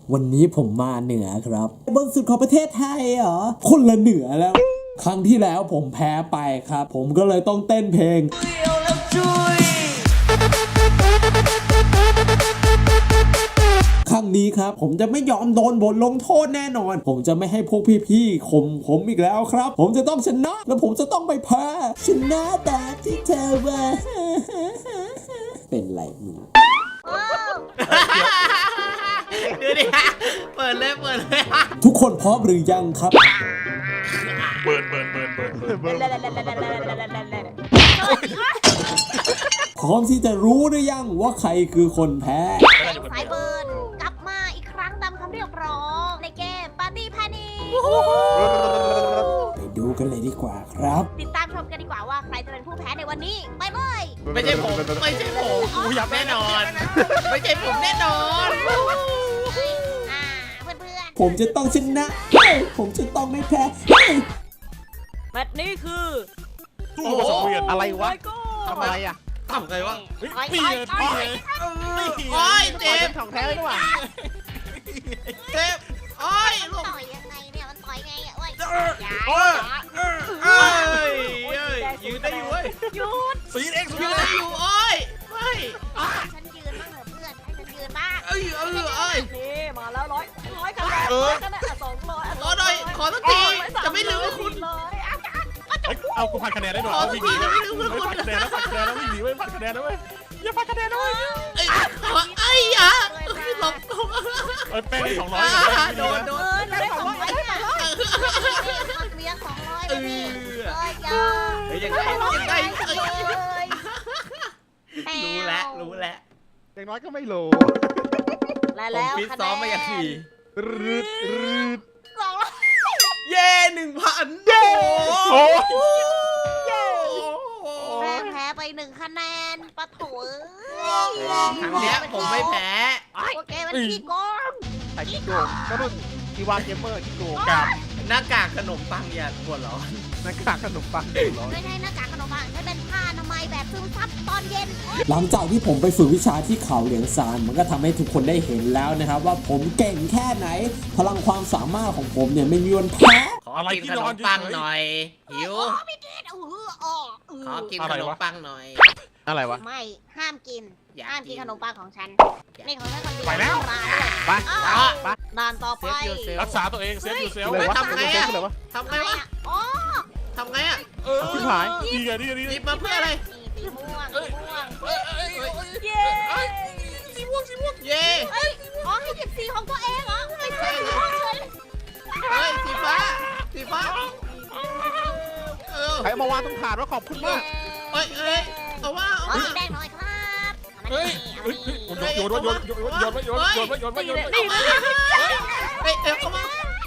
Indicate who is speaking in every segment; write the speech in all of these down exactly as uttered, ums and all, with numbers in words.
Speaker 1: วันนี้ผมมาเหนือครับบนสุดของประเทศไทยเหรอคนละเหนือแล้วครั้งที่แล้วผมแพ้ไปครับผมก็เลยต้องเต้นเพลงครั้งนี้ครับผมจะไม่ยอมโดนบทลงโทษแน่นอนผมจะไม่ให้พวกพี่ๆข่มผมอีกแล้วครับผมจะต้องชนะแล้วผมจะต้องไปแพ้ชนะแบบที่เธอว่าเป็นไรมึง
Speaker 2: ดูดิฮะเปิดเลยเปิดเลย
Speaker 1: ทุกคนพร้อมหรือยังครับ
Speaker 3: เบิร์นเบิร์นเบิร์นเบิร์นเบิร์นเบิร์น
Speaker 1: พร้อมที่จะรู้หรือยังว่าใครคือคนแพ้
Speaker 4: สายเบิร์นกลับมาอีกครั้งตามคำเรียกร้องในเกมปาร์ตี้แพนิค
Speaker 1: ไปดูกันเลยดีกว่าครับ
Speaker 4: ติดตามชมกันดีกว่าว่าใครจะเป็นผู้แพ้ในวันนี้ไปเลย
Speaker 2: ไม่ใช่ผมไม่ใช่ผมกูอยากแน่นอนไม่ใช่ผมแน่นอน
Speaker 4: อ่าเพื่อนเพื่อน
Speaker 1: ผมจะต้องชนะผมจะต้องไม่แพ้
Speaker 4: แมตช์นี้คือ
Speaker 3: ตู้ผสมเวียนอะไรวะ
Speaker 2: ทำอะไรอ่ะทำไงวะ
Speaker 3: ปีเลยปีเลย
Speaker 2: โอ้ยเจ็บ
Speaker 3: ของแท้เลยดีกว่า
Speaker 2: เจ็บโอ้ยลูก
Speaker 4: ต่อยยังไงเนี่ยมันต่อยไงอ่ะโอ้ย
Speaker 2: โอ้ยเอ้ยยืนได้อยู่เว้ย
Speaker 4: หยุด
Speaker 3: สีเอ็กซ์
Speaker 2: ยืนได้อยู่โอ้ยไม่
Speaker 4: ฉันยืนบ้างเหรอเพื่อนให้ฉันยืนบ้าง
Speaker 2: เอ้ยเอ้ยเอ้ย
Speaker 4: นี่มาแล้วร้อยร้อยกันแล้วร้อยกันแล้วสองร้อย
Speaker 2: ขอหน่อยขอสักทีจะไม่ลืมคุณ
Speaker 4: เลย
Speaker 3: เอากูพันคะแนนได้หน่อยวิ่งหนีไม่พันคะแนนแล้วพันคะแนนแล้ววิ่งหนีไม่พันคะแนนแล้วเว้ยอย่าพันคะแนนนะเว้ย
Speaker 2: ไอ้ไอ้ยะหลบ
Speaker 3: เอ้ยแป้งสองร้อย
Speaker 2: โดนโดน
Speaker 4: ได้สองร้อยเมียสองร้อยเลยนี่เฮ้ย
Speaker 2: ยังไงยังไงรู้แล้วรู้แล้ว
Speaker 3: อย่างน้อยก็ไม่รู้
Speaker 4: แล้ว
Speaker 2: ฟิตซ้อมมาอย่างดี
Speaker 3: รืดรืด
Speaker 4: สองร้อย
Speaker 2: เย่หนึ่งพัน
Speaker 3: โอ้
Speaker 4: แพ้แพ้ไปหนึ่งคะแนนปะโถ
Speaker 2: ครั้งนี้ผมไม่แพ้
Speaker 4: โอเคมันขี้โกง
Speaker 3: ไอ้ขี้โกงก็รุ่นทีวาเกมเมอร์ขี้โกงกับ
Speaker 2: หน้ากากขนมปังอย่าปวดร้อน
Speaker 3: หน้ากากขนมปังปวดร้อน
Speaker 4: ไม่ใช่หน้ากากขนมปังให้เป็นผ้าอนามัยแบบซึมซับตอนเย็น
Speaker 1: หลังจากที่ผมไปฝึกวิชาที่เขาเหลียงซานมันก็ทำให้ทุกคนได้เห็นแล้วนะครับว่าผมเก่งแค่ไหนพลังความสามารถของผมเนี่ยไม่มีวันแพ้
Speaker 2: ขอกินขนมปังหน่อยหิว
Speaker 4: ไม่กินเออ
Speaker 2: ขอกินขนมปังหน่อย
Speaker 3: อะไรวะ
Speaker 4: ไม่ห้ามกินห้ามกินขนมปังของฉันนี่ของฉันคนเดียว
Speaker 3: ไปแล้วไป
Speaker 4: ไปด่านต่อไป
Speaker 3: รักษาตัวเองเซฟยูเซล
Speaker 2: เลยทำไงอะทำไงวะ
Speaker 4: อ๋อ
Speaker 2: ทำไงอะ
Speaker 3: เออพี่หายดีไงดีไงดี
Speaker 2: หยิบมาเพื่ออะไร
Speaker 4: สีม่วงสีม่วง
Speaker 2: เย้สีม่วงสีม่วงเย้
Speaker 4: อ๋อให้หยิบสีของตัวเองเหรอไม่ใช่สีม่วงเลย
Speaker 2: เฮ้ยสีฟ้าสีฟ้า
Speaker 3: ใครมาวางตรงถาดว่าขอบคุณมาก
Speaker 2: เฮ้ยเฮ้ยเอาว่า
Speaker 4: เอาสีแดงหน่อยครับ
Speaker 3: เฮ้ยโยนโยนโยนโยนโยนโยนโยนโยนโยนโยนโยน
Speaker 2: เฮ้ยเดี๋ยวเข้ามา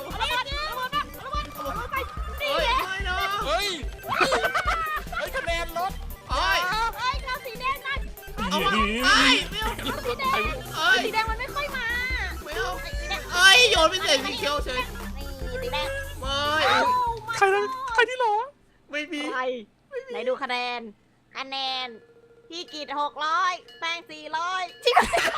Speaker 3: เฮ้ยเฮ้ยคะแนนลด
Speaker 2: เฮ้ย
Speaker 4: เฮ้ยเอาสีแดงนั่น
Speaker 2: เอามาเฮ้ย
Speaker 4: สีแดงมันไม่ค่อยมา
Speaker 2: ไม่เอาเฮ้ยโยนไปใส่สีเขียวเฉย
Speaker 4: สีแดง
Speaker 2: ไม่
Speaker 3: ใครใครที่หรอ
Speaker 2: ไม่มี
Speaker 4: ไหนดูคะแนนคะแนนพี่กีดหกร้อยแป้งสี่ร้อยที่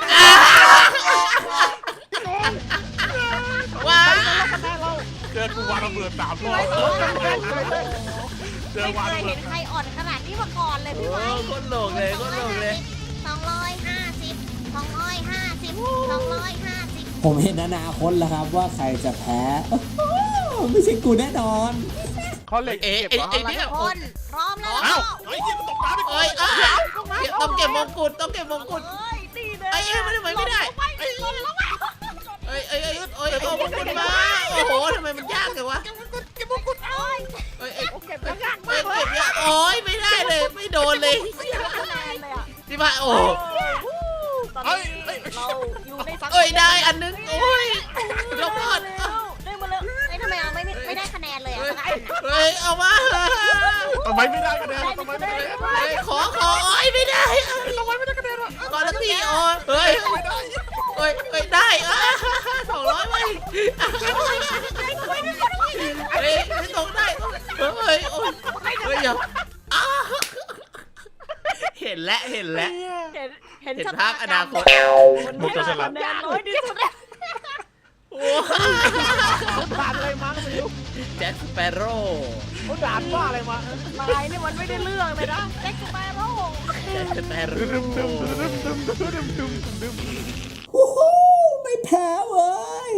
Speaker 2: ว้า
Speaker 3: เจอกูวางระเบิดสามรอบเจอวางระเบิด
Speaker 4: เห็นใครอ่อนขนาดนี้มาก่อนเลยพี่ไม้
Speaker 2: คนโหลกเลยคนโหลกเลย
Speaker 4: สองร้อยห้าสิบสองร้อยห้าสิบสองร้อยห้าสิบ
Speaker 1: ผมเห็นอนาคตแล้วครับว่าใครจะแพ้ไม่ใช่กูแน่นอน
Speaker 3: เขาเหล็ก
Speaker 2: เอ๊ะเอ๊ะเนี่ย
Speaker 4: คนพร้อมแล้ว
Speaker 3: อ้าวไอ้ที่ตกน้ำไปก่อน
Speaker 2: ต้องเก็บมงกุฎต้องเก็บมงกุฎไอ้เอ๊ะมันทำไมไม่ได้เอ้ยเอ้ยเอ้ยเอ้ยเอามงกุฎมาโอ้โหทำไมมันยากจังวะ
Speaker 4: เก็บมงกุฎเก็บมงกุฎโอ้ย
Speaker 2: เอ้ยเก็บยากมากเลยโอ้ยไม่ได้เลยไม่โดนเลยที่บ้านโอ้
Speaker 4: เฮ้ยเราอยู่ใน
Speaker 2: เอ้ยได้อันนึงโอ้ยลงก่อน
Speaker 4: ได้มาเลยไอ้ทำไมเอาไม่ไม่ได้คะแนนเลยอ่ะ
Speaker 2: เฮ้ยเอามา
Speaker 3: ทำไมไม่ได้คะแนนทำไมไม่ได้
Speaker 2: ขอขอโอ้ยไม่ได้
Speaker 3: ทำไมไม่ได้คะแนนอ่ะ
Speaker 2: ก่อนละทีโอ้ยเฮ้ยเฮ้ยเฮ้ยได้สองร้อยไปเฮ้ยไม่ตรงได้เฮ้ยโอ้ยเฮ้ยอย่าเห็นแล้วเห็นแล้ว
Speaker 4: เห็นเห็น
Speaker 2: ภาพอนาคต
Speaker 3: มุกจะฉลาด
Speaker 4: น้อยที่สุด
Speaker 2: แจ็คสเปโร่
Speaker 3: เขาด่านว่าอะไรมาน
Speaker 4: ายนี่มันไม่ได้เรื่องเลยนะแจ็คสเปโร่
Speaker 2: แจ็คสเปโร่
Speaker 1: โอ้โหไม่แพ้เว้ย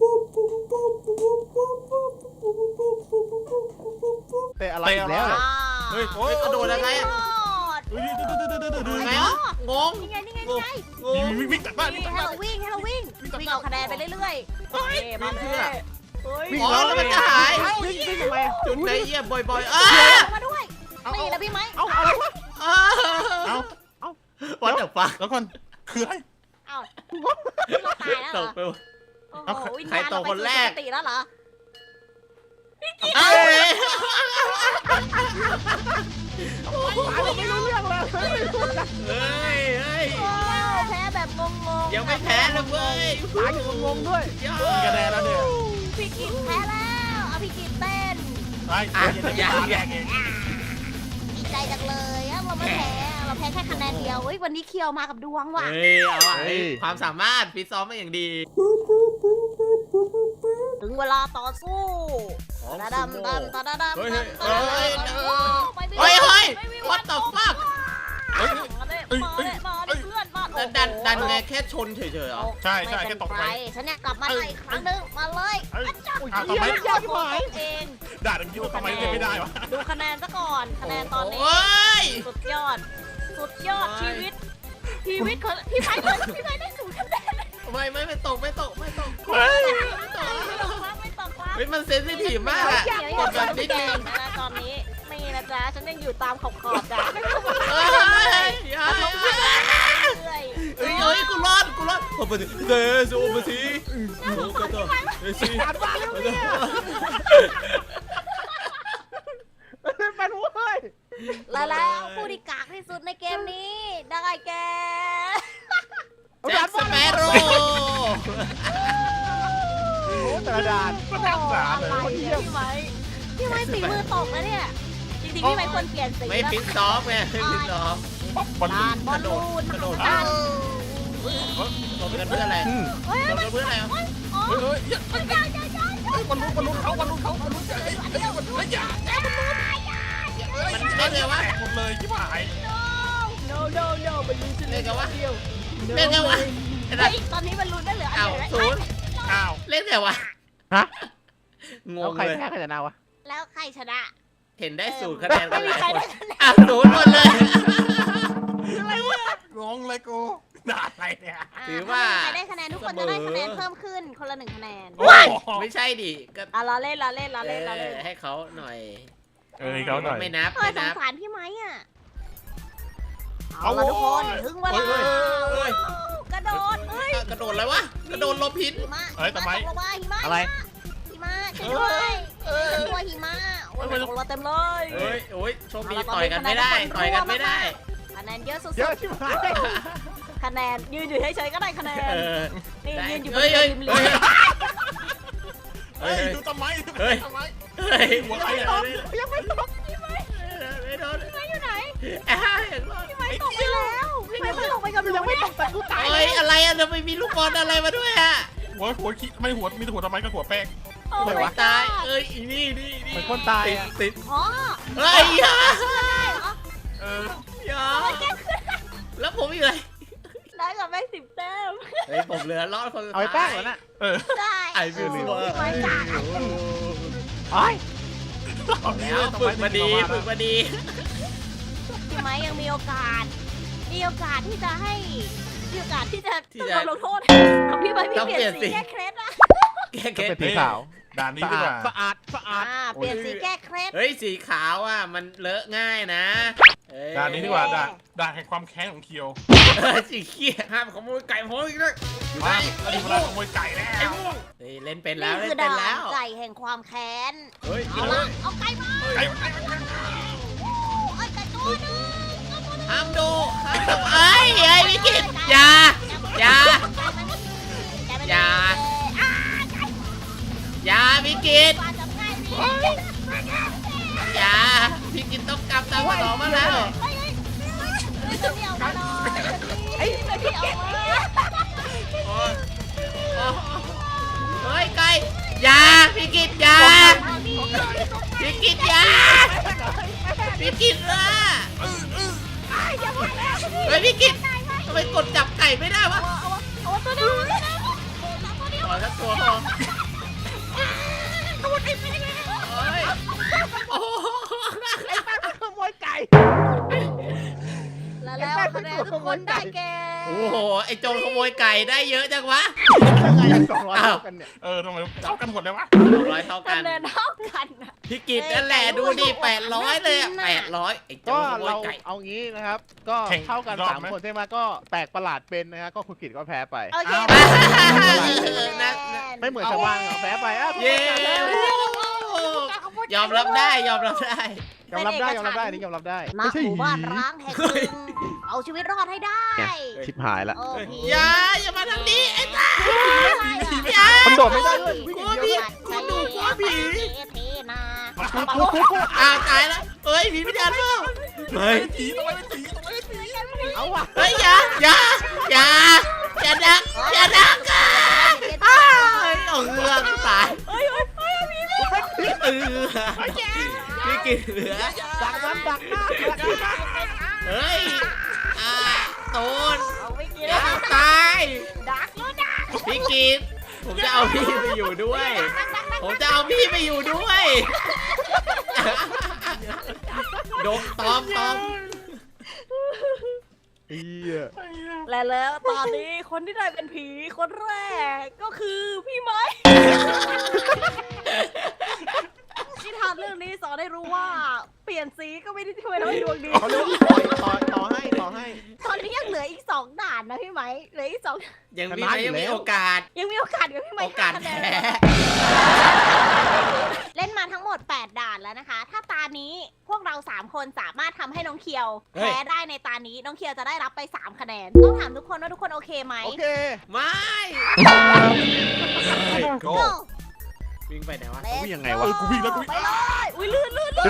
Speaker 3: แต่อะไรอีกแล้ว
Speaker 2: เฮ้ยโอ้ยกระโดดยังไงอะ
Speaker 3: เฮ้ย
Speaker 2: ไงวะงง
Speaker 4: นี่ไงนี่ไง
Speaker 2: ง
Speaker 4: นี่
Speaker 2: ง
Speaker 4: ไง
Speaker 2: งง
Speaker 3: วิ่งตัดบ้านวิ่งตัด
Speaker 4: ให้
Speaker 3: บ้าน
Speaker 4: เราวิ่งให้เราวิ่งวิ่งเอาคะแนนไปเรื่อยๆเฮ้ยมาเลยเฮ้ย
Speaker 2: อ๋อแล้วมันจะหาย
Speaker 3: วิ่งวิ่งทำไม
Speaker 2: จุดไหนเยี่ยมบ่อยๆอ้า
Speaker 4: มาด้วยนี่นะพี่ไหม
Speaker 3: เอาอะไรวะ
Speaker 2: อ้า
Speaker 3: เอาเอา
Speaker 2: วัดเดอะฟัก
Speaker 3: แล้วก่อนคืออะไร
Speaker 4: เอ้าเราตายแล้วเห
Speaker 2: ต
Speaker 4: รอก
Speaker 2: ไป
Speaker 4: โอ้โหวิญ
Speaker 2: ใคร
Speaker 4: ญาณ
Speaker 2: ต
Speaker 4: เรา
Speaker 2: ก
Speaker 4: ไป
Speaker 2: คน
Speaker 4: สู่
Speaker 2: แรก
Speaker 4: สุคติแล้วเหรอ
Speaker 2: เอ้ย
Speaker 3: ไม่รู้เรื่องเลย
Speaker 2: เฮ้ยเฮ้ย
Speaker 4: โอ้แพ้แบบงงๆ
Speaker 2: ยังไม่แพ้เลยเว้ย
Speaker 3: ตายอยู่งงด้วย
Speaker 2: ยอ
Speaker 3: มีคะแนน
Speaker 2: ด
Speaker 3: แล้วเนี่ย
Speaker 4: พี่กินแพ้แล้วเอาพี่กินเต้น
Speaker 3: ไอ้ยังยังเอง
Speaker 4: ดีใจจังเลยอะเราไม่แพ้เราแพ้แค่คะแนนเดียวเฮ้ยวันนี้เคียวมากับดวงว่ะ
Speaker 2: เฮ้ยเอาอ่ะเฮ้ยความสามารถฟิตซ้อมมาอย่างดี
Speaker 4: ถึงเวลาต่อสู้ตาดำดำตาดำดำ
Speaker 2: เฮ้ย
Speaker 4: ดำ
Speaker 2: เฮ้ยเฮ้ย
Speaker 4: ไปไม่
Speaker 2: เฮ้ยเฮ้ย
Speaker 4: ไม่มี
Speaker 2: what the fuck
Speaker 3: เฮ้ย
Speaker 4: มาเลยมาเลยมาเลยเพื่อนมา
Speaker 2: ดันดันดันไงแค่ชนเฉยๆเหรอ
Speaker 3: ใช่ใช่แค่ตกไป
Speaker 4: ฉันเนี่ยกลับมาอีกครั้งหนึงมาเลย
Speaker 3: เอ้ย
Speaker 4: จับ
Speaker 3: อ้าวทำไม
Speaker 4: ยากไหมเอง
Speaker 3: ด่าอย่างนี้ทำไมเล่นไม่ได้วะ
Speaker 4: ดูคะแนนซะก่อนคะแนนตอนนี้
Speaker 2: โอ้ย
Speaker 4: สุดยอด สุดยอด
Speaker 2: โอ้ย
Speaker 4: ชีวิต ชีวิตของพี่ไม้เลยพี่ไม้ได้สูงคะแนน
Speaker 2: ไม่ไม่ไม่ตกไม่ตกไม่ตก
Speaker 3: เฮ้ย
Speaker 4: ไม่ตกครับไม่ตกครับ
Speaker 2: เฮ้ยมันเซนซิทีฟมากอะ
Speaker 4: เดี๋ยว
Speaker 2: ก
Speaker 4: อย่า
Speaker 2: ดแบบ
Speaker 4: นิ
Speaker 2: นิ
Speaker 4: ด
Speaker 2: ด
Speaker 4: นึ
Speaker 2: นึ
Speaker 4: ง
Speaker 2: ง
Speaker 4: นะตอนนี้ไม่นะจ๊ะฉันยังอยู่ตามขอบขอบจ้ะ
Speaker 2: เฮ้ยอย่าอย่า
Speaker 4: เรื่อย
Speaker 2: เฮ้ยเฮ้ยกูรอดกูรอดโอ้โหเดซโอ้โหสิโอ้โหก็ต่อเฮ้ยสิ
Speaker 3: ด่านว่าแล้วเนี่ยเป็นเว้ย
Speaker 4: และแล้วผู้ที่กากที่สุดในเกมนี้ได้แก่
Speaker 2: แจ็คสเปโร่
Speaker 3: โอ้แต่ละด่านก็น่าสงสารเลย
Speaker 4: อะไรเนี่ยพี่ไม้พี่ไม้สีมือตกแล้วเนี่ยจริงๆพี่ไม้ควรเปลี่ยนสี
Speaker 2: ไม่
Speaker 4: แล้ว
Speaker 2: ฟิตซ้อมไงไม่ฟิตซ้อม
Speaker 3: บอลลู
Speaker 4: ด่าน นบอลลูน
Speaker 2: กระโดด
Speaker 4: ด่าน
Speaker 2: โดดกันเพื่ออะไร
Speaker 4: เฮ้ย
Speaker 2: โดดกันเพื่ออะไร
Speaker 4: โอ้ยอ๋อ
Speaker 3: เฮ้ยเฮ้ย
Speaker 4: เฮ้ยอย่าอย่าอย่าอย่า
Speaker 3: บอลลูนบอลลูนเขาบอลลูนเขาบอลลูนเฮ้ยเฮ้ยเฮ้ยอย่า
Speaker 2: มันเล่นไงวะ
Speaker 3: แตกหมดเลยที่หาย
Speaker 4: no no no มันลุ้นจะ
Speaker 2: เล่นไงวะ
Speaker 4: เดียว
Speaker 2: เล่นไงวะไอ้สั
Speaker 4: เฮ้
Speaker 2: ต
Speaker 4: ย
Speaker 2: ว์
Speaker 4: ตอนนี้มันลุ้นได้เหลืออัน
Speaker 2: อ้าว
Speaker 4: เดียว
Speaker 2: ศูนย์
Speaker 3: อ้าว
Speaker 2: เล่นไงวะ
Speaker 3: ฮะ
Speaker 2: ง
Speaker 3: แล้ว
Speaker 2: ง
Speaker 3: ใคร
Speaker 2: เลย
Speaker 3: แพ้ใครชนะวะ
Speaker 4: แล้วใครชนะ
Speaker 2: เห็นได้ศูนย์คะแนนกันหลาย
Speaker 4: ใคร
Speaker 2: คน
Speaker 4: ได้คะแนน
Speaker 2: อ้าวศูนย์หมดเลย
Speaker 3: งงเลยกูด่าอะไรเนี่ย
Speaker 2: ถือว่า
Speaker 4: ใครได้คะแนนทุกคนจะได้คะแนนเพิ่มขึ้นคนละหนึ่งคะแนน
Speaker 3: โอ้ย
Speaker 2: ไม่ใช่ดิก็
Speaker 4: อ่ะเราเล่นเราเล่นเราเล่นเรา
Speaker 2: เอ
Speaker 4: เล่น
Speaker 2: อให้เขาหน่อย
Speaker 3: เอ้ยเขาหน่อย
Speaker 2: ไม่นับ
Speaker 4: เฮ้ย
Speaker 2: ไม่
Speaker 4: ส
Speaker 2: นั
Speaker 4: ง
Speaker 2: บ
Speaker 4: สารพี่ไหมอ่ะ
Speaker 3: เอา
Speaker 4: เอาละทุกคนถึงเวลา
Speaker 2: เฮ้ยเฮ้ย
Speaker 4: กระโดดเฮ้ย
Speaker 2: กระโดดอะไรวะกระโดดลบพิษ
Speaker 4: หิมะ
Speaker 3: เอ้ยทำไม
Speaker 4: หิมะตกลงมาหิมะ
Speaker 3: อะไร
Speaker 4: หิมะช่วยด้วยฉันกลัวหิมะโอ้ยตกลงมาเต็มเลย
Speaker 2: เฮ้ยโอ้ยโชคดีต่อยกันไม่ได้ต่อยกันไม่ได้
Speaker 4: คะแนนเยอะสุด
Speaker 3: เยอะชิบหาย
Speaker 4: ๆคะแนนยืนอยู่เฉยๆก็ได้คะแนน
Speaker 2: เออ
Speaker 4: นี่
Speaker 2: ได้
Speaker 4: ยืนอยู่บ
Speaker 2: เฮ้
Speaker 4: น
Speaker 2: ยเฮ้ย
Speaker 4: ริม
Speaker 2: เฮ้ย
Speaker 3: เฮ้ยดูทำไมดู
Speaker 2: เฮ้ย
Speaker 3: ทำไม
Speaker 2: เฮ้ย
Speaker 3: หัวใคร
Speaker 2: ไม่
Speaker 3: อ่ะ
Speaker 2: โดน
Speaker 3: ยังไม่ตก
Speaker 2: ไม่โดน
Speaker 4: พี่ไม้อยู่ไหน
Speaker 2: อ่ะอย่างรอด
Speaker 4: พี่ไม้ตกไปแล้วพี่ไม้ตกไปกับหนู
Speaker 3: ยังไม่
Speaker 4: เนี่ย
Speaker 3: ตกแต่กูตาย
Speaker 2: เฮ้ยอะไรอ่ะทำไมมีลูกบอลอะไรมาด้วยอ่ะ
Speaker 3: หัวหัวขี้ไม่หัวมีแต่หัวทำไมก็หัวแป้ง
Speaker 4: โอ้
Speaker 2: ไม่
Speaker 4: my
Speaker 2: ตาย
Speaker 4: god
Speaker 2: เอ้ยอีนี่นี่นี่
Speaker 3: เหมือนคนตาย
Speaker 2: ติด
Speaker 3: อะ
Speaker 2: ติด
Speaker 4: อ๋อ
Speaker 2: เฮ้ยอย่า
Speaker 4: ช่วยได้เหรอ
Speaker 3: เออ
Speaker 2: อย่าแล้วผมอีกเลย
Speaker 4: ได้กับแม่สิบแต้ม
Speaker 2: เฮ้ยผมเหลือรอดคนสุด
Speaker 3: เอา
Speaker 2: ท้าย
Speaker 3: ไปแป้งเหรอน่ะเออ
Speaker 4: ได้
Speaker 2: ไอ้บิว
Speaker 4: โ
Speaker 2: ลี่ว่า
Speaker 4: พี่ไม้จ่าย
Speaker 3: ไอ้
Speaker 2: แล้วฝึกมาดีฝึกมาดี
Speaker 4: พี่ไม้ยังมีโอกาส มีโอกาสที่จะให้มีโอกาสที่จะ
Speaker 2: ที่จะ
Speaker 4: โดนลงโทษเอาพี่ไม้พี่
Speaker 2: ต้อง
Speaker 4: เปลี่ยน
Speaker 2: เปลี่ยน
Speaker 4: สี
Speaker 2: สี
Speaker 4: แก้เคล็ดอะ
Speaker 2: แก้
Speaker 3: ก็
Speaker 2: เก็
Speaker 3: เป็นสีขาวด่านนี้ดีกว่าสะอาดสะอาด
Speaker 4: อ่าเปลี่ยนสีแก้เคล็ด
Speaker 2: เฮ้ยสีขาวอ่ะมันเลอะง่ายนะเอ้ย
Speaker 3: ด่านนี้ดีกว่าด่านด่านแห่งความแค้นของเคียว
Speaker 2: เออสีเขียวห้ามขโมยไก่ผมอีกเลยอยู่ไหน
Speaker 3: มาแล้วถึงเวลาขโมยไก่แล้
Speaker 2: ไอ้
Speaker 3: ว
Speaker 2: ม่วงเฮ้ยเล่นเป็นแล้ว
Speaker 4: นี่
Speaker 2: เล่
Speaker 4: คือน
Speaker 2: เป็น
Speaker 4: ด่า
Speaker 2: แล้
Speaker 4: น
Speaker 2: ว
Speaker 4: ไก่แห่งความแค้น
Speaker 2: เฮ้ย
Speaker 4: เอาละเอาไก่มา
Speaker 3: ไก่ไก่
Speaker 4: เอาไก่ตัวหนึงเอาตัวหนึง
Speaker 2: ห้ามดูห้ามดูเอ้ยเอ้ยพี่กิตอย่าอย่า อย่า
Speaker 4: อ่า
Speaker 2: อย่าพี่กิต
Speaker 4: ปลาจับไก่ดิ
Speaker 2: อย่าพี่กิตต้องกลับตามมาต่อมาแล้ว
Speaker 4: เฮ้ยเฮ้ยเฮ้ยจะเดี่ยวมาหน่อยเฮ้ยจะเดี่ยวมา
Speaker 2: โอ้ยโอ้ยเฮ้ยไก่อย่าพี่กิตอยาพี่กิตอยาพี่กิตละเฮ้ยพี่กิตทำไมกดจับไก่ไม่ได้วะ
Speaker 4: เอาตัวเดียวตัวเดียว
Speaker 2: ขอสักตัวพอ
Speaker 4: ตัวเดียว
Speaker 2: เฮ้ยโอ้โห
Speaker 3: ขโมยไก่
Speaker 4: แล้วแล้วคะแนนทุกคนได้แก่
Speaker 2: โอ้โหไอโจรขโมยไก่ได้เยอะจังวะ
Speaker 3: ยังไงสองร้อยเท่ากันเนี่ยเออทำไมเท่ากันหมดเลยวะ
Speaker 2: ร้อยเท่ากั
Speaker 4: คะ
Speaker 2: น
Speaker 4: แนนเท่ากันนะ
Speaker 2: พี่กิตนั่นแหละดูดิแปดร้อยเลยอะแปดร้อยไอโจ
Speaker 5: ก็
Speaker 2: รขโมย
Speaker 5: เรา
Speaker 2: ไก่
Speaker 5: เอางี้นะครับ ก็เท่ากันสามคนใช่ไหมก็แปลกประหลาดเป็นนะฮะก็คุณกิตก็แพ้ไป
Speaker 4: โอเค
Speaker 5: ไม่เหมือนชาวบ้านเขาแพ้ไปอ่ะ
Speaker 2: เย้ยอมรับได้ยอมรับได้
Speaker 5: ยอมรับได้ยอมรับได้อันนี่ยอมรับได้
Speaker 4: ณหมู่บ้านร้างแห่งหนึ่งเอาชีวิตรอดให้ได้
Speaker 5: ชิบหายละ
Speaker 4: โอ้ผี
Speaker 2: อย่าอย่ามาทางนี้ไอ้ตาอย่า
Speaker 5: มันโดดไม่ได้ด้วย
Speaker 2: กลัวผีกูดูกลัวผี
Speaker 4: เทนา
Speaker 2: อ้าวตายแล้วเฮ้ยผีไม่ทันเปล่าเฮ้ย
Speaker 3: ผีทำไมเป็นผีทำไมเป็นผี
Speaker 5: เอาว่ะ
Speaker 2: เฮ้ยอย่าอย่าอย่าอย่าดักอย่าดักอ่ะอ้าวเอาเงือกตายเออพี่กินเหลือ
Speaker 5: ดักมันดักหน้าดักหน้า
Speaker 2: เฮ้ยอ่าโตน
Speaker 4: เอาไม่กิน
Speaker 2: อย่าตาย
Speaker 4: ดักแล้วดัก
Speaker 2: พี่กินผมจะเอาพี่ไปอยู่ด้วย ผมจะเอาพี่ไปอยู่ด้วยดมตอมตอม
Speaker 5: เฮีย
Speaker 4: และแล้วตอนนี้คนที่ได้เป็นผีคนแรกก็คือพี่ไม้นิทานเรื่องนี้สอนให้รู้ว่าเปลี่ยนสีก็ไม่ได้ช่วยทำให้ดวงดี
Speaker 5: เขาเรียกว่าต่อยต่อต่อให้ต่อให้
Speaker 4: ตอนนี้ยังเหลืออีกสองด่านนะพี่ไหมเหลืออีกสอง
Speaker 2: ยังมีไหมยังมีโอกาส
Speaker 4: ยังมีโอกาสกับพี่ไหม
Speaker 2: โอกาส
Speaker 4: คะแน
Speaker 2: แพ้
Speaker 4: นเล่นมาทั้งหมดแปดด่านแล้วนะคะ ถ้าตานี้พวกเราสามคนสามารถทำให้น้องเคียวแพ้ได้ในตานี้น้องเคียวจะได้รับไปสามคะแนนต้องถามทุกคนว่าทุกคนโอเคไหม
Speaker 5: โอเค
Speaker 2: ไม่
Speaker 4: Go
Speaker 2: วิ่งไปไหนวะ
Speaker 5: วิ่งยังไง
Speaker 3: เอ
Speaker 5: วะ
Speaker 3: อกูวิ่งแล้วกูวิ่ง
Speaker 4: ไปเลยอุ้ยลื่นลื่นลื่น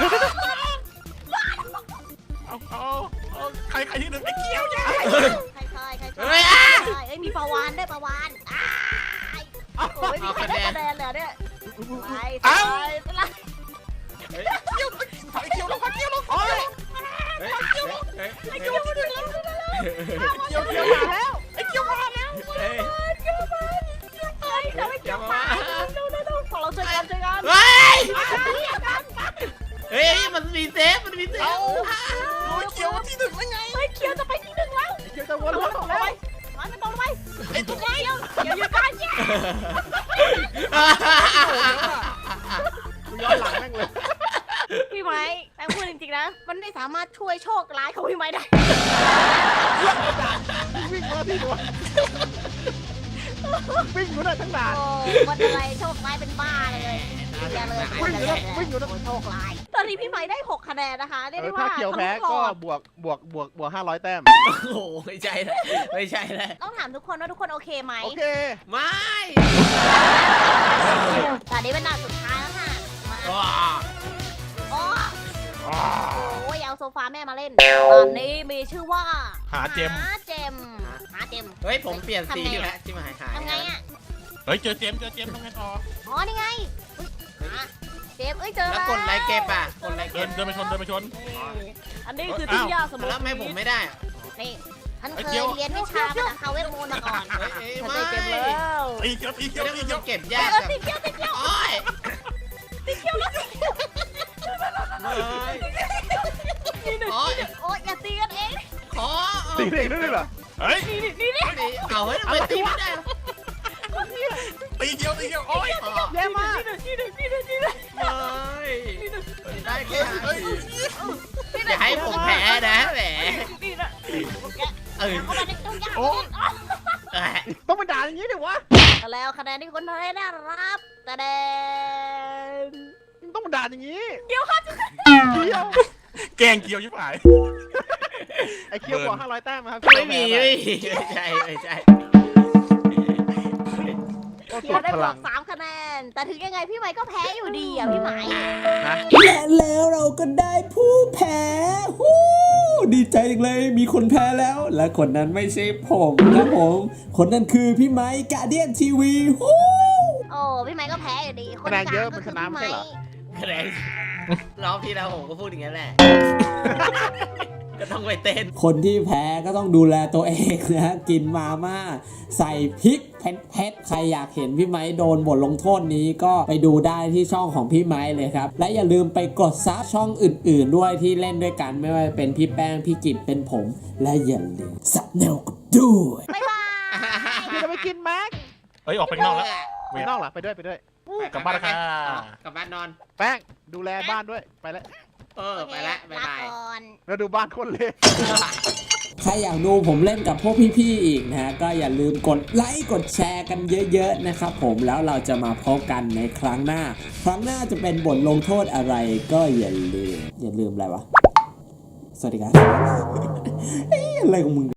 Speaker 3: เอาเอาเอาใครใครที่หนึ่งไอ้เกี้ยวยัย
Speaker 4: ใช่ใช่ใช่
Speaker 2: เฮ้ยอ่ะ
Speaker 4: เอ้ยมีปลาวานด้วยปลาวานอ้ายโอ้ยมีใครได้คะแนนเลยเนี่ยไปไปไปละ
Speaker 2: เฮ้ย
Speaker 3: เกี้ยวไอ้เกี้ยวลงไอ้เกี้ยวลงโอ้ย
Speaker 2: เฮ้ยเฮ้ย
Speaker 4: ไอ้เกี่ยวมาถึงแล้ว
Speaker 3: เกี้ยวเกี้ยวมาแล้วไอ้เกี้ยวมาแล้ว
Speaker 2: เฮ้ย
Speaker 4: เกี่ยวมาเกี่ยวมาทำไมเกี่ยวมาดูดูดูของเราช่วยกันช่วยกัน
Speaker 2: เฮ้ย
Speaker 4: เกี่ยวกัน
Speaker 2: เฮ้ยมันมีเซฟมันมีเซฟ
Speaker 3: โอ้ยเกี้ยวที่หนึ่งแล้วไง
Speaker 4: เฮ้ยเกี่ยวจะไปที่หนึ่งแล้ว
Speaker 5: เกี่ยวจะวน
Speaker 4: ต
Speaker 5: ร
Speaker 4: ก
Speaker 5: ถ
Speaker 4: ล
Speaker 5: ต่
Speaker 4: ง
Speaker 5: อ
Speaker 4: ไป
Speaker 5: แล้ว
Speaker 4: มันมันตกลงไปไอ้ตัวเกี่ยวเกี่ยวอยู่กันเนี่ย
Speaker 5: ย้อนหลังแม่งเลย
Speaker 4: พี่ไม้แม่พูดจริงๆนะมันไม่สามารถช่วยโชคร้ายของพี่ไม้ได้
Speaker 5: วิ่งมาที่ตัววิ่งอยู่ได้ทั้งด่าน
Speaker 4: โอ้วันอะไรโชคร้ายเป็นบ้าเลยอย่าเลย
Speaker 5: วิ่งอยู่นะวิ่งอยู่นะ
Speaker 4: โชคร้ายตอนนี้พี่ไม้ได้หกคะแนนนะคะเรียกได้
Speaker 5: ถ้า
Speaker 4: ว่า
Speaker 5: เกี่ยวแพ้ก็บวกบวกบวกบวกห้าร้อยแต้ม
Speaker 2: โอ้โหไม่ใช่เลยไม่ใช่เลย
Speaker 4: ต้องถามทุกคนว่าทุกคนโอเคไหม
Speaker 5: โอเค
Speaker 2: ไม่
Speaker 4: ตอนนี้เป็นด่านสุดท้ายแล้วค่ะมา
Speaker 2: ว้า
Speaker 4: โอ้โอ้ยเอาโซฟาแม่มาเล่นตอนนี้มีชื่อว่า
Speaker 3: หาเจม
Speaker 4: หาเจมหาเจม
Speaker 2: เฮ้ยผมเปลี่ยนสีแล้วที่มาหายหาย
Speaker 4: ทำไงอ่ะ
Speaker 3: เฮ้ยเจอเจมเจอเจมทำไงต่อ
Speaker 4: อ๋อนี่ไงอุ๊ยหาเจมเอ้ยเจอ
Speaker 2: แล้ว
Speaker 4: แล้ว
Speaker 2: กดไลค์เก็บอ่ะกดไลค์
Speaker 3: เดิ
Speaker 2: เก็
Speaker 3: น
Speaker 2: บ
Speaker 3: เดินไปชนเดินไปชน
Speaker 4: อันนี้คือที่ยากสมุ
Speaker 2: แล้วทำไมผมไม่ได้
Speaker 4: นี่ฉัน
Speaker 3: ไอ้
Speaker 4: เค
Speaker 3: เจี
Speaker 4: ย
Speaker 3: ยว
Speaker 4: เรียนวิชาภาษาคาเวทมนต์มาก่อน
Speaker 2: เฮ้ยเอ้ย
Speaker 4: ฉัน
Speaker 2: ไม่
Speaker 4: ได้เจมแล้ว
Speaker 3: ตีเกี้ยวตีเกี้ยว
Speaker 2: เดี๋ยว
Speaker 3: ตี
Speaker 2: มัน
Speaker 3: เกี้ยว
Speaker 2: เก็บ
Speaker 4: เอย
Speaker 2: าก
Speaker 4: อ
Speaker 2: จัง
Speaker 4: ติดเกี่ยวติดเกี่ยว
Speaker 2: โอ้ย
Speaker 4: ติดเกี่ยวแล้วติดเกี่ยว
Speaker 2: ไม่โอ้ย
Speaker 4: โอ้ยอย่าตีกันเอง
Speaker 2: ขอ
Speaker 5: ตีเด็กด้วยเหรอ
Speaker 3: เฮ้ย
Speaker 4: นี่นี่นี่
Speaker 2: ตีเอาเฮ้ยทำไมตีไม่ได้
Speaker 3: ตีเกี้ยวตีเกี้ยวโอ้ย
Speaker 5: แย่มาก
Speaker 4: นี่นี่นี่นี่นี่
Speaker 2: ไม่ได้แค่
Speaker 3: เฮ้ย
Speaker 2: อย่าให้ผมแพ้นะแหม
Speaker 4: นี่นะ
Speaker 2: เออ
Speaker 4: เข้ามาในตู้ยาก
Speaker 5: โอ้
Speaker 2: เอ้ย
Speaker 5: ต้องมาด่าอย่างนี้ดิวะ
Speaker 4: แล้วคะแนนที่คนไทยได้รับแต่แดน
Speaker 5: ต้องมาด่าอย่างนี้
Speaker 4: เดี๋ยวค่ะ
Speaker 5: เกี่ยว
Speaker 3: แกงเกี้ยวชิบหาย
Speaker 5: ไอ้เกี่ยวบวกห้าร้อยแต้มครับ
Speaker 2: ไม่มีไม่มีไม่ใช่ไม่ใช่
Speaker 5: ก็
Speaker 4: เดี๋
Speaker 5: สุ
Speaker 4: ยว
Speaker 5: ด
Speaker 4: ได้
Speaker 5: พ
Speaker 4: บ
Speaker 5: ลั
Speaker 4: ว
Speaker 5: ง
Speaker 4: กสามคะแนน แต่ถึงยังไงพี่ไม้ก็แพ้อยู่ดีอ่ะพี่ไม้
Speaker 5: นะ
Speaker 1: และแล้วเราก็ได้ผู้แพ้ฮู้ดีใจจังเลยมีคนแพ้แล้ว และคนนั้นไม่ใช่ผมครับผม คนนั้นคือพี่ไม้กาเดียนทีวีฮู้
Speaker 4: โอ้พี่ไม้ก็แพ้อยู่ดี
Speaker 5: คะแนนเยอะมันชนะไม่ใช่เหรอ
Speaker 2: คะแนนรอบที่แล้วผมก็พูดอย่างนั้นแหละ ก็ต้องไปเต้น
Speaker 1: คนที่แพ้ก็ต้องดูแลตัวเองนะกินมาม่าใส่พริกเผ็ดๆใครอยากเห็นพี่ไม้โดนบทลงโทษนี้ก็ไปดูได้ที่ช่องของพี่ไม้เลยครับและอย่าลืมไปกดซับช่องอื่นๆด้วยที่เล่นด้วยกันไม่ว่าจะเป็นพี่แป้งพี่กิตเป็นผมและอย่าลืมซับแนวกันด้วย
Speaker 4: บ๊ายบาย
Speaker 5: พี่จะไปกินแม็ก
Speaker 3: เฮ้ยออกไปข้างนอกแล้ว
Speaker 5: ไปนอกเหรอไปด้วยไปด้วย
Speaker 3: กลับบ้านแล้วค่ะ
Speaker 2: กลับบ้านนอน
Speaker 5: แป้งดูแลบ้านด้วยไปแล้ว
Speaker 2: เออ ไปละบ๊ายบาย
Speaker 4: ลก่อน
Speaker 5: แล้วดูบ้านคนเล็ก
Speaker 1: ใครอยากดูผมเล่นกับพวกพี่ๆอีกนะฮะก็อย่าลืมกดไลค์กดแชร์กันเยอะๆนะครับผมแล้วเราจะมาพบกันในครั้งหน้า ครั้งหน้าจะเป็นบทลงโทษอะไรก็อย่าลืมอย่าลืมอะไรวะสวัสดีครับ เฮ้ยอะไรของมึง